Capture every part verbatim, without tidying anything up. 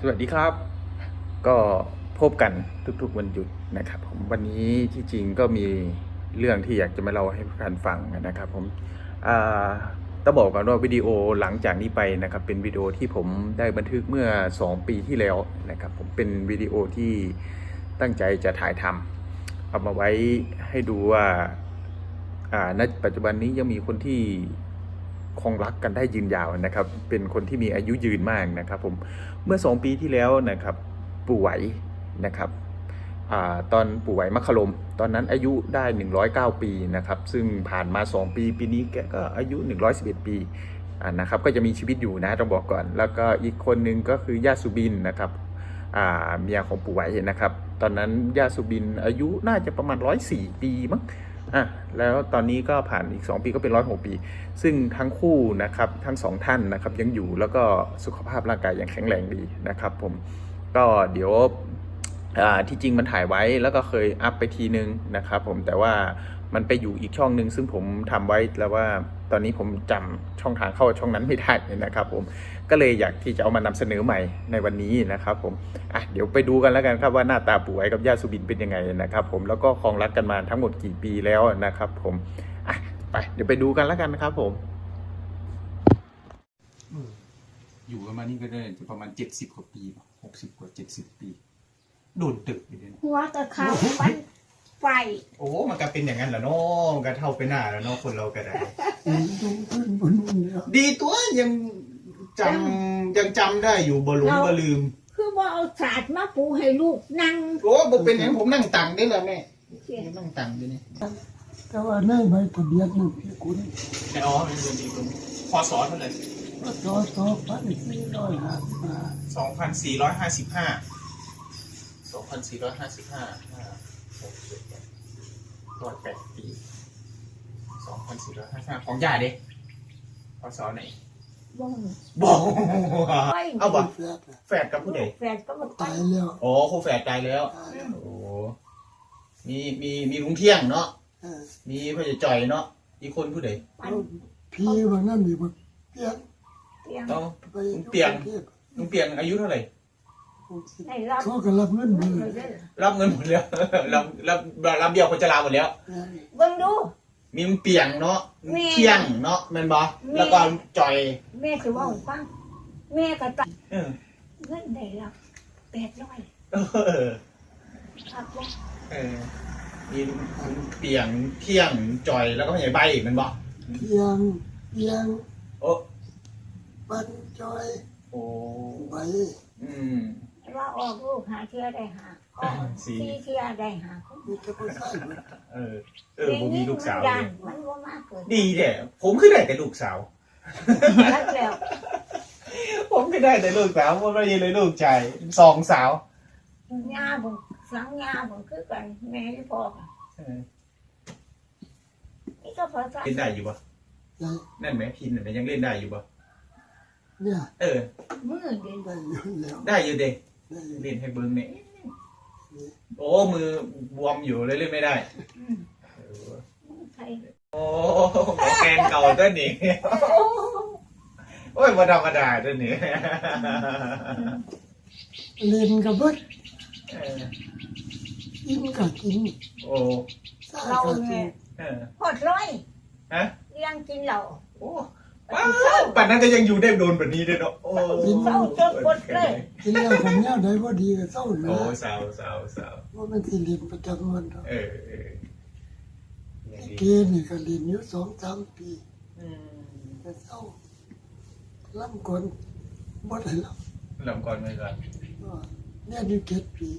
สวัสดีครับก็พบกันทุกๆวันหยุดนะครับผมวันนี้ที่จริงก็มีเรื่องที่อยากจะมาเล่าให้ทุกท่านฟังนะครับผมต้องบอกก่อนว่าวิดีโอหลังจากนี้ไปนะครับเป็นวิดีโอที่ผมได้บันทึกเมื่อสองปีที่แล้วนะครับผมเป็นวิดีโอที่ตั้งใจจะถ่ายทำเอามาไว้ให้ดูว่าณปัจจุบันนี้ยังมีคนที่คงรักกันได้ยืนยาวนะครับเป็นคนที่มีอายุยืนมากนะครับผมเมื่อสองปีที่แล้วนะครับปู่ไหวนะครับอตอนปู่ไหวมคลมตอนนั้นอายุได้หนึ่งร้อยเก้าปีนะครับซึ่งผ่านมาสองปีปีนี้แกก็อายุหนึ่งร้อยสิบเอ็ดปีนะครับก็จะมีชีวิตอยู่นะต้องบอกก่อนแล้วก็อีกคนนึงก็คือย่าสุบินนะครับเมียของปู่ไหวนะครับตอนนั้นย่าสุบินอายุน่าจะประมาณร้อยสี่ปีมั้งอ่ะแล้วตอนนี้ก็ผ่านอีกสองปีก็เป็นร้อยหกปีซึ่งทั้งคู่นะครับทั้งสองท่านนะครับยังอยู่แล้วก็สุขภาพร่างกายยังแข็งแรงดีนะครับผมก็เดี๋ยวที่จริงมันถ่ายไว้แล้วก็เคยอัพไปทีนึงนะครับผมแต่ว่ามันไปอยู่อีกช่องนึงซึ่งผมทำไว้แล้วว่าตอนนี้ผมจำช่องทางเข้าช่องนั้นไม่ได้นะครับผมก็เลยอยากที่จะเอามานำเสนอใหม่ในวันนี้นะครับผมอ่ะเดี๋ยวไปดูกันแล้วกันครับว่าหน้าตาปู่ไหวกับย่าสุบินเป็นยังไงนะครับผมแล้วก็ครองรักกันมาทั้งหมดกี่ปีแล้วนะครับผมอ่ะไปเดี๋ยวไปดูกันแล้วกันนะครับผมอยู่กันมานี่ก็ได้จะประมาณเจ็ดสิบกว่าปีหกสิบกว่าเจ็ดสิบปีโดนตึกไปเลยหัวตะเขาฟันไฟโอ้มันก็เป็นอย่างนั้นแหละเนาะมันก็เท่าไปหน้าแล้วเนาะคนเราก็ได้ดีตัวยังจำยังจำได้อยู่บ่หลงบ่ลืมคือว่าเอาศาสตร์มาปูให้ลูกนั่งโอ้บ่เป็นอย่างผมนั่งตังได้แล้วแม่นั่งตังด้วยนี่แต่ว่าในใบทะเบียนนี่พี่คุณในอ๋อเป็นเดือนดีคุณพศเท่าไหร่พศสองพันสี่ร้อยห้าสิบห้าสองพันสี่ร้อยห้าสิบห้าสองพันสี่ร้อยห้าสิบห้าหกสิบร้อยแปดปีสองพันสี่ร้อยห้าสิบห้าของย่าเด็กพศไหนบ่งบ่งเอาบ่แฝดกับผู้ใดแฝดก็มาตายแล้วโอ้คู่แฝดตายแล้วโอ้มีมีมีลุงเที่ยงเนาะมีพ่อจ่อยเนาะอีกคนผู้ใดพี่บางนั่นมีบางเปียงเปียงต้องเปียงลุงเปียงอายุเท่าไหร่เขาก็รับเงินหมดรับเงินหมดแล้วรับรับรับเบี้ยคนชราหมดแล้วเบิ่งดูมีลุงเปียงเนาะเที่ยงเนาะแม่นบ่แล้วก็จ่อยแม่สิว่าฟังแม่ก็ตัดเงินได้รับแปดร้อยเออครับบ่เออมีลุงเปียงเที่ยงจ่อยแล้วก็พ่อใหญ่ใบแม่นบ่เที่ยงเที่ยงโอ้ปันจ่อยโอ้ใบอืมว่าออกลูกหาเชื่อได้หาออกสี่เชื่อได้หามีแต่ผู้ชายเออเออผมมีลูกสาวมันว่ามากเกินดีแท้ผมคือได้แต่ลูกสาวแล้วผมคือได้แต่ลูกสาวผมไม่ได้เลยลูกชายสองสาวย่าผมสังย่าผมคือกันแม่ที่พ่อนี่ก็พอจะเล่นได้อยู่ปะนั่นไหมพินไหนยังเล่นได้อยู่ปะเนี่ยเออมือเด่นได้อยู่แล้วได้อยู่เด็กเล่นให้เบิ้งเนี่ยโอ้มือบวมอยู่เลยเล่นไม่ได้โอ้แกนเก่าตัวนี้โอ้ยมาธรรมดาตัวนี้เล่นกับเบิ้ลกินกับกินโอ้เราเนี่ยหดร้อยฮะเลี้ยงกินเราโอ้ว้าวป่านนั้นก็ยังอยู่ได้โดนแบบนี้ด้วยเนาะโอ้เศร้าจนหมดเลยกินแล้วผมเนี่ยได้พอดีก็เศร้าเลยโอ้เศร้าเศร้าเศร้าว่ามันที่เรียนประจำวันเออเออเกณฑ์นี่ก็เรียนอยู่สองสามปีแต่เศร้าล่ำก่อนบ่ได้ล่ำล่ำก่อนไม่ก่อนเนี่ยอยู่เจ็ดปี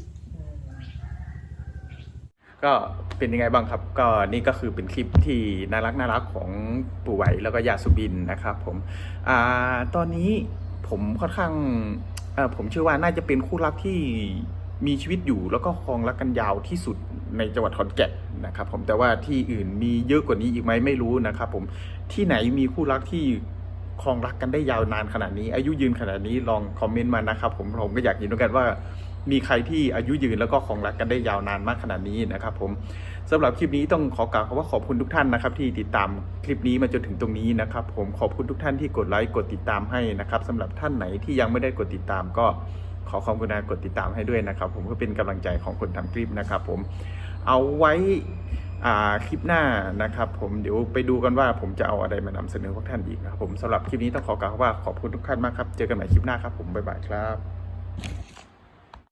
ก็เป็นยังไงบ้างครับก็นี่ก็คือเป็นคลิปที่น่ารักน่ารักของปู่ไหวแล้วก็ย่าสุบินนะครับผมอ่าตอนนี้ผมค่อนข้างเอ่อผมเชื่อว่าน่าจะเป็นคู่รักที่มีชีวิตอยู่แล้วก็ครองรักกันยาวที่สุดในจังหวัดขอนแก่นนะครับผมแต่ว่าที่อื่นมีเยอะกว่านี้อีกไหมไม่รู้นะครับผมที่ไหนมีคู่รักที่ครองรักกันได้ยาวนานขนาดนี้อายุยืนขนาดนี้ลองคอมเมนต์มานะครับผมผมก็อยากเห็นด้วยกันว่ามีใครที่อายุยืนแล้วก็ครองรักกันได้ยาวนานมากขนาดนี้นะครับผมสำหรับคลิปนี้ต้องขอกล่าวคำว่าขอบคุณทุกท่านนะครับที่ติดตามคลิปนี้มาจนถึงตรงนี้นะครับผมขอบคุณทุกท่านที่กดไลค์กดติดตามให้นะครับสำหรับท่านไหนที่ยังไม่ได้กดติดตามก็ขอความกรุณากดติดตามให้ด้วยนะครับ ผมเพื่อเป็นกำลังใจของคนทำคลิปนะครับ ผมเอาไว้อ่าคลิปหน้านะครับ ผมเดี๋ยวไปดูกันว่าผมจะเอาอะไรมานำเสนอพวกท่านอีกนะครับผมสำหรับคลิปนี้ต้องขอกล่าวว่าขอบคุณทุกท่านมากครับเจอกันใหม่คลิปหน้าครับผมบ๊ายบายครับ